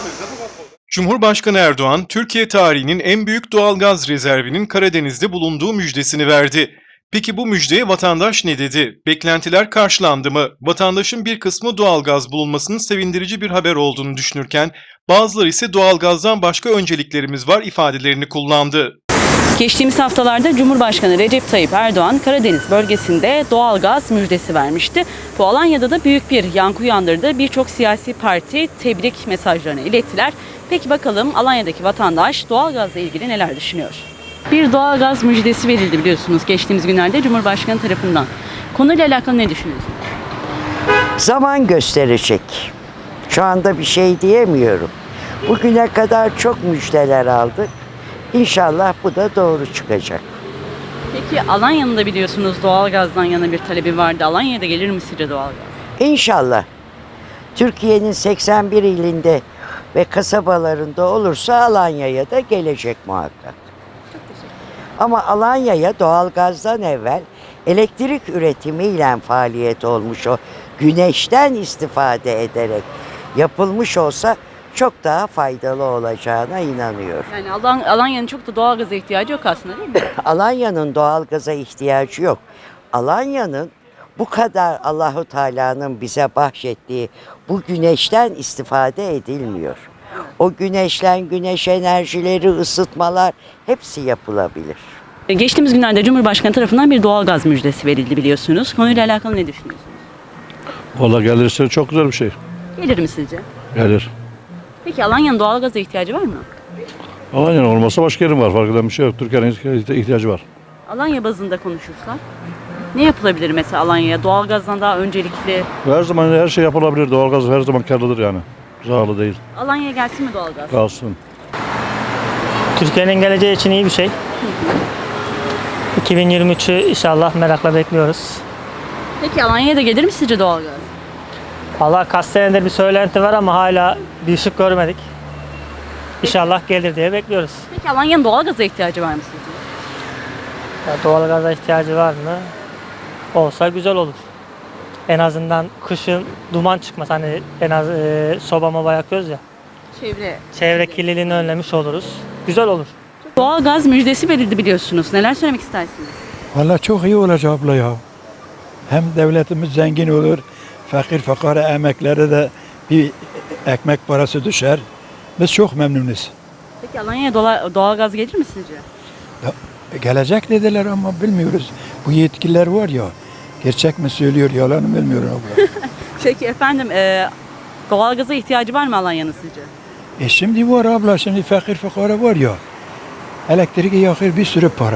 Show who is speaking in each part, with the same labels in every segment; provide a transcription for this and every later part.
Speaker 1: Cumhurbaşkanı Erdoğan, Türkiye tarihinin en büyük doğalgaz rezervinin Karadeniz'de bulunduğu müjdesini verdi. Peki bu müjdeye vatandaş ne dedi? Beklentiler karşılandı mı? Vatandaşın bir kısmı doğalgaz bulunmasının sevindirici bir haber olduğunu düşünürken, bazıları ise doğalgazdan başka önceliklerimiz var ifadelerini kullandı.
Speaker 2: Geçtiğimiz haftalarda Cumhurbaşkanı Recep Tayyip Erdoğan Karadeniz bölgesinde doğalgaz müjdesi vermişti. Bu Alanya'da da büyük bir yankı uyandırdı. Birçok siyasi parti tebrik mesajlarını ilettiler. Peki bakalım Alanya'daki vatandaş doğalgazla ilgili neler düşünüyor? Bir doğalgaz müjdesi verildi biliyorsunuz geçtiğimiz günlerde Cumhurbaşkanı tarafından. Konuyla alakalı ne düşünüyorsunuz?
Speaker 3: Zaman gösterecek. Şu anda bir şey diyemiyorum. Bugüne kadar çok müjdeler aldık. İnşallah bu da doğru çıkacak.
Speaker 2: Peki Alanya'nın da biliyorsunuz doğalgazdan yana bir talebi vardı. Alanya'ya da gelir mi sizce doğalgaz?
Speaker 3: İnşallah. Türkiye'nin 81 ilinde ve kasabalarında olursa Alanya'ya da gelecek muhakkak. Ama Alanya'ya doğalgazdan evvel elektrik üretimiyle faaliyet olmuş o güneşten istifade ederek yapılmış olsa çok daha faydalı olacağına inanıyorum.
Speaker 2: Yani Alanya'nın çok da doğalgaza ihtiyacı yok aslında değil mi?
Speaker 3: Alanya'nın doğalgaza ihtiyacı yok. Alanya'nın bu kadar Allahu Teala'nın bize bahşettiği bu güneşten istifade edilmiyor. O güneş enerjileri, ısıtmalar hepsi yapılabilir.
Speaker 2: Geçtiğimiz günlerde Cumhurbaşkanı tarafından bir doğalgaz müjdesi verildi biliyorsunuz. Konuyla alakalı ne düşünüyorsunuz?
Speaker 4: Valla gelirse çok güzel bir şey.
Speaker 2: Gelir mi sizce?
Speaker 4: Gelir.
Speaker 2: Peki Alanya'nın doğalgaza ihtiyacı var mı?
Speaker 4: Alanya'nın olmasa başka yerin var. Fark eden bir şey yok. Türkiye'nin ihtiyacı var.
Speaker 2: Alanya bazında konuşursak ne yapılabilir mesela Alanya'ya? Doğalgazdan daha öncelikli.
Speaker 4: Her zaman her şey yapılabilir. Doğalgaz her zaman karlıdır yani. Zararlı değil.
Speaker 2: Alanya'ya gelsin mi doğalgaz?
Speaker 4: Kalsın.
Speaker 5: Türkiye'nin geleceği için iyi bir şey. 2023'ü inşallah merakla bekliyoruz.
Speaker 2: Peki Alanya'ya da gelir mi sizce doğalgaz?
Speaker 5: Valla kaç senedir bir söylenti var ama hala bir ışık görmedik. İnşallah gelir diye bekliyoruz.
Speaker 2: Peki Alanya'nın doğalgaza ihtiyacı var mı sizce?
Speaker 5: Ya doğalgaza ihtiyacı var mı? Olsa güzel olur. En azından kışın duman çıkmaz. Hani en az soba moba yakıyoruz ya. Çevre kirliliğini önlemiş oluruz. Güzel olur.
Speaker 2: Doğalgaz müjdesi verildi biliyorsunuz. Neler söylemek istersiniz?
Speaker 6: Vallahi çok iyi olacak abla ya. Hem devletimiz zengin olur, fakir fakara emeklere de bir ekmek parası düşer. Biz çok memnunuz.
Speaker 2: Peki Alanya'ya doğalgaz gelir mi sizce?
Speaker 6: Gelecek dediler ama bilmiyoruz. Bu yetkililer var ya, gerçek mi söylüyor, yalan mı bilmiyorum abla.
Speaker 2: Peki efendim doğalgaza ihtiyacı var mı Alanya'nın sizce?
Speaker 6: Şimdi var abla, şimdi fakir fakara var ya. Elektrik yakır bir sürü para.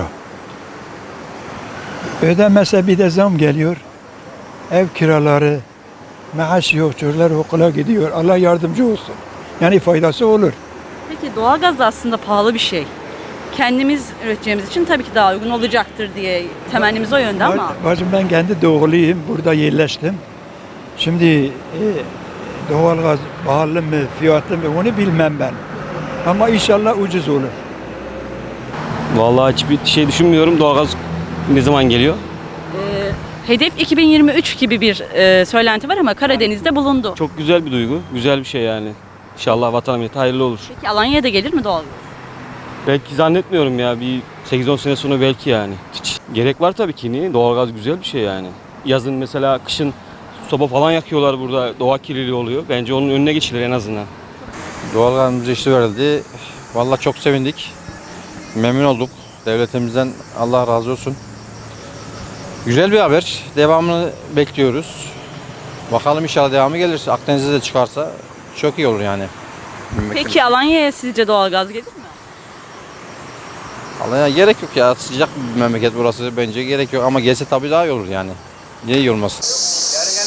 Speaker 6: Ödemese bir de zam geliyor. Ev kiraları, maaş yok, çocuklar okula gidiyor. Allah yardımcı olsun. Yani faydası olur.
Speaker 2: Peki doğalgaz da aslında pahalı bir şey. Kendimiz üreteceğimiz için tabii ki daha uygun olacaktır diye temennimiz o yönde ama.
Speaker 6: Bacım ben kendi doğuluyum. Burada yerleştim. Şimdi doğalgaz pahalı mı, fiyatlı mı onu bilmem ben. Ama inşallah ucuz olur.
Speaker 7: Vallahi hiçbir şey düşünmüyorum. Doğalgaz ne zaman geliyor?
Speaker 2: Hedef 2023 gibi bir söylenti var ama Karadeniz'de bulundu.
Speaker 7: Çok güzel bir duygu. Güzel bir şey yani. İnşallah vatan millete hayırlı olur.
Speaker 2: Peki Alanya'ya da gelir mi doğalgaz?
Speaker 7: Belki zannetmiyorum ya. Bir 8-10 sene sonra belki yani. Hiç gerek var tabii ki. Niye? Doğalgaz güzel bir şey yani. Yazın mesela kışın soba falan yakıyorlar burada. Doğa kirliliği oluyor. Bence onun önüne geçilir en azından.
Speaker 8: Doğalgaz müjdesi verildi. Vallahi çok sevindik. Memnun olduk. Devletimizden Allah razı olsun. Güzel bir haber. Devamını bekliyoruz. Bakalım inşallah devamı gelir. Akdeniz'de de çıkarsa çok iyi olur yani.
Speaker 2: Peki Alanya'ya sizce doğalgaz gelir mi?
Speaker 8: Alanya gerek yok ya. Sıcak bir memleket burası. Bence gerek yok ama gelse tabii daha iyi olur yani. Niye iyi olmasın?